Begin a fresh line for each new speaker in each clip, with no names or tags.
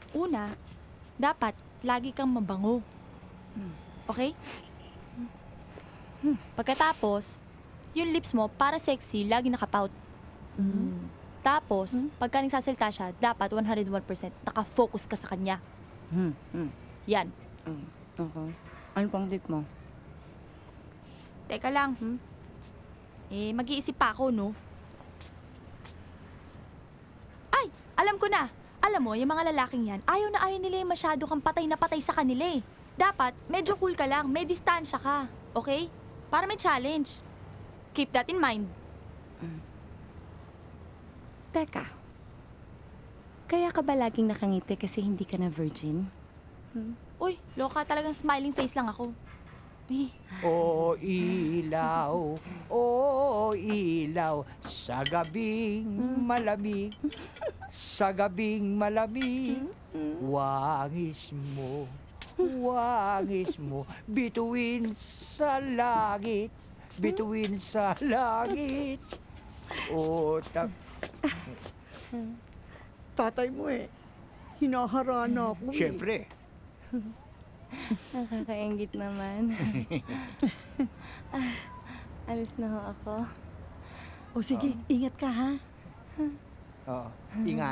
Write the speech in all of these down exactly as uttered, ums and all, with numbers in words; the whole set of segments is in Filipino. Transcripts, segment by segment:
Una, dapat lagi kang mabango. Okay? Pagkatapos, yung lips mo para sexy, lagi nakapout. Tapos, pagka nagsasalita siya, dapat one hundred one percent nakafocus ka sa kanya.
Hmm. Hmm.
Yan.
Hmm. Okay. Ano pang tip mo?
Teka lang.
Hmm?
Eh, mag-iisip pa ako, no? Ay! Alam ko na! Alam mo, yung mga lalaking yan, ayaw na ayaw nila yung masyado kang patay na patay sa kanila eh. Dapat, medyo cool ka lang, may distansya ka. Okay? Para may challenge. Keep that in mind.
Teka. Kaya ka ba laging nakangiti kasi hindi ka na virgin?
Uy, loka talagang smiling face lang ako. Eh,
O ilaw, o ilaw, sa gabing malamig, sa gabing malamig, wangis mo, wangis mo, bituin sa langit, bituin sa langit. O tak...
Tatay mo eh. Hinaharana ako eh.
Siyempre,
Nakakaingit naman. ah, alis na ho ako.
O sige, ingat ka ha.
oo, ingat.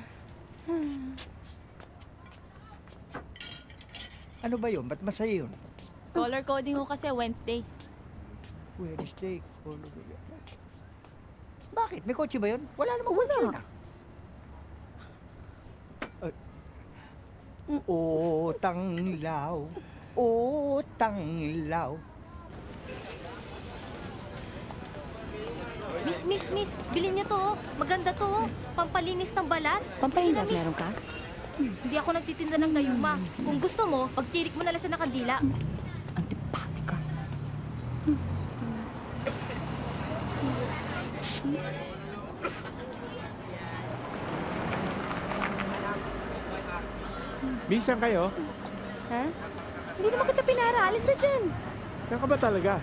Ano ba yun? Ba't masaya yun?
color coding ko kasi Wednesday.
Wednesday. Bakit? May kotse ba yun? Wala namang kotse yun ah. O tanglaw, o tanglaw.
Miss, miss, miss, bilhin niyo to, oh. Maganda to, oh. Pampalinis ng balat.
Pampahinga,
Sige na, miss.
meron ka?
Hindi ako nagtitinda ng gayuma. Kung gusto mo, pagtirik mo na lang siya ng kandila.
Antipati ka.
Miss, saan kayo?
Ha?
Hindi naman kita pinara, alis na dyan.
Saan ka ba talaga?